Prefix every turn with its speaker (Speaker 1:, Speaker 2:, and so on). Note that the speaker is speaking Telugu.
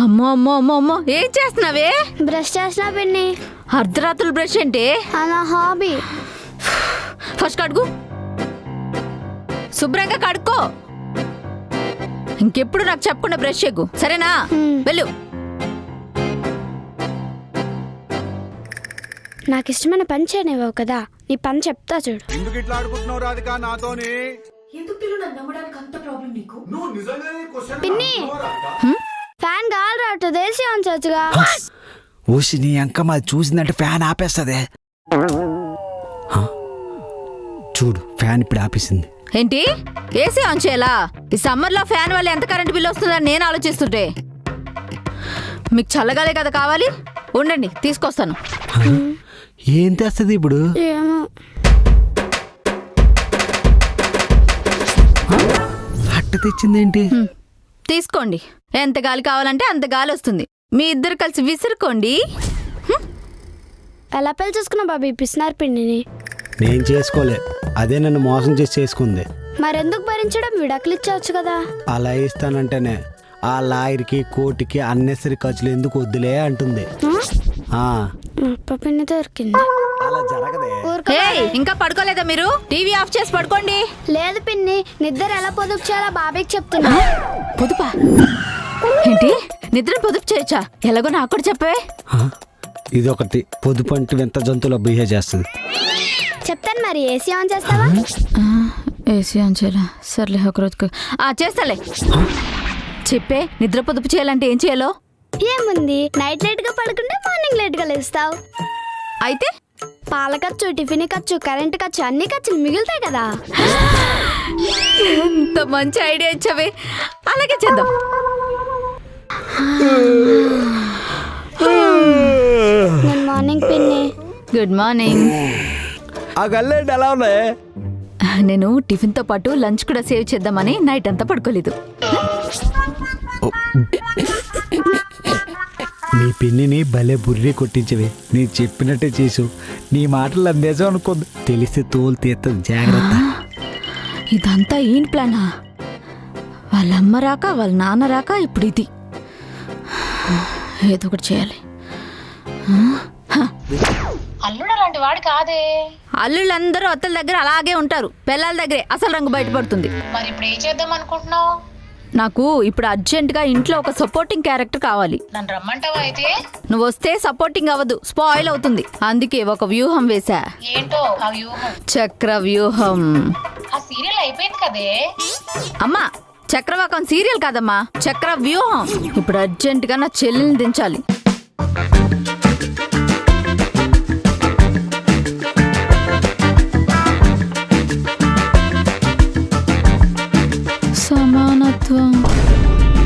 Speaker 1: అమ్మో అమ్మో అమ్మో అమ్మో ఏం చేస్తున్నావే?
Speaker 2: బ్రష్ చేసిన పిన్ని.
Speaker 1: అర్ధరాత్రులు బ్రష్ ఏంటి?
Speaker 2: నా హాబీ.
Speaker 1: ఫస్ట్ కడుగు, శుభ్రంగా కడుక్కో. ఇంకెప్పుడు నాకు చెప్పకుండా బ్రష్ చేయకు, సరేనా? వెళ్ళు.
Speaker 2: నాకు ఇష్టమైన పని చేయనివ్వవు కదా, నీ పని చెప్తా చూడు.
Speaker 3: ఎందుకు ఇట్లా ఆడుకుంటున్నావు రాధిక నాతోని?
Speaker 2: పిన్ని, ఫ్యాన్ గాలి రావట్లేదు, ఏసీ ఆన్ చేయొచ్చుగా.
Speaker 4: ఊసి నీ అంక మాది చూసిందంటే ఫ్యాన్ ఆపేస్తుంది. చూడు ఫ్యాన్ ఇప్పుడు ఆపేసింది.
Speaker 1: ఏంటి ఏసీ ఆన్ చేయాలా? ఈ సమ్మర్ లో ఫ్యాన్ వల్ల ఎంత కరెంట్ బిల్ వస్తుందని నేను ఆలోచిస్తుంటే, మీకు చల్లగాలే కదా కావాలి, ఉండండి తీసుకొస్తాను.
Speaker 4: ఏం తెస్తుంది ఇప్పుడు?
Speaker 2: ఏమో.
Speaker 4: అట్ట తెచ్చిందేంటి?
Speaker 1: తీసుకోండి, ఎంత గాలి కావాలంటే అంత గాలి వస్తుంది. మీ ఇద్దరు కలిసి విసురుకోండి.
Speaker 2: ఎలా పెళ్లి చేసుకున్నా బాబీ పిసినారు పిన్నిని?
Speaker 4: నేను చేసుకోలే, అదే నన్ను మోసం చేసి చేసుకుంది.
Speaker 2: మరెందుకు భరించడం, విడాకులు ఇచ్చేవచ్చు కదా.
Speaker 4: అలా ఇస్తానంటేనే ఆ లాయర్కి కోర్టుకి అన్నెసరి ఖర్చులు ఎందుకు వద్దులే అంటుంది.
Speaker 2: పిన్ని దొరికింది.
Speaker 4: అలా జరగదే.
Speaker 1: ఏయ్, ఇంకా పడుకోలేదా మీరు? టీవీ ఆఫ్ చేసి పడుకోండి.
Speaker 2: లేదు పిన్ని, నిద్ర ఎలా పొదుపు చేయాలో బాబీకి చెప్తున్నా.
Speaker 1: పొదుపా? ఏంటి నిద్ర పొదుపు చేయొచ్చా? ఎలాగో నాకు కూడా చెప్పవే.
Speaker 4: ఇదొకటి పొదుపు అంటే వింత జంతువులో బిహేవ్ చేస్తుంది.
Speaker 2: చెప్తాను మరి, ఏసీ ఆన్ చేస్తావా?
Speaker 1: ఏసీ ఆన్ చేయాలా? సర్లే ఒకరోజుకు చేస్తాలే. చెప్పే, నిద్ర పొదుపు చేయాలంటే ఏం చేయాలో?
Speaker 2: ఏముంది, నైట్ లేట్ గా పడుకుంటే మార్నింగ్ లేట్ గా లేస్తావు.
Speaker 1: అయితే
Speaker 2: పాల ఖర్చు, టిఫిన్ ఖర్చు, కరెంట్ ఖర్చు, అన్ని ఖర్చులు మిగులుతాయి కదా.
Speaker 1: ఎంత మంచి ఐడియా ఇచ్చావే, అలాగే చేద్దాం.
Speaker 2: గుడ్ మార్నింగ్ పిన్ని.
Speaker 1: Good morning.
Speaker 4: ఆ గల్లేంటి ఎలా ఉన్నాయి?
Speaker 1: నేను టిఫిన్ తో పాటు లంచ్ కూడా సేవ్ చేద్దామని నైట్ అంతా పడుకోలేదు.
Speaker 4: నీ పిన్నిని భలే బుర్రి కొట్టించవే. నీ చెప్పినట్టే చేసు. నీ మాటలు అందేజం అనుకోదు, తెలిస్తే తోలు తీస్తుంది, జాగ్రత్త.
Speaker 1: ఇదంతా ఏం ప్లానా? వాళ్ళ అమ్మ రాక, వాళ్ళ నాన్న రాక, ఇప్పుడు ఇది. ఏదో ఒకటి చేయాలి.
Speaker 5: అల్లుడు అలాంటి వాడు కాదే.
Speaker 1: అల్లుళ్ళందరూ అత్తల దగ్గర అలాగే ఉంటారు, పిల్లల దగ్గరే అసలు రంగు బయటపడుతుంది.
Speaker 5: మరి ఇప్పుడు ఏం చేద్దాం అనుకుంటున్నావు?
Speaker 1: నాకు ఇప్పుడు అర్జెంటుగా ఇంట్లో ఒక సపోర్టింగ్ క్యారెక్టర్ కావాలి.
Speaker 5: నన్ను రమ్మంటావా? అయితే
Speaker 1: నువ్వు వస్తే సపోర్టింగ్ అవ్వదు, స్పాయిల్ అవుతుంది. అందుకే ఒక వ్యూహం వేశా.
Speaker 5: ఏంటో ఆ వ్యూహం?
Speaker 1: చక్ర వ్యూహం.
Speaker 5: ఆ సీరియల్ అయిపోయింది కదే.
Speaker 1: అమ్మా, చక్రవాకం సీరియల్ కాదమ్మా, చక్ర వ్యూహం. ఇప్పుడు అర్జెంటుగా నా చెల్లెల్ని దించాలి. సమానత్వం.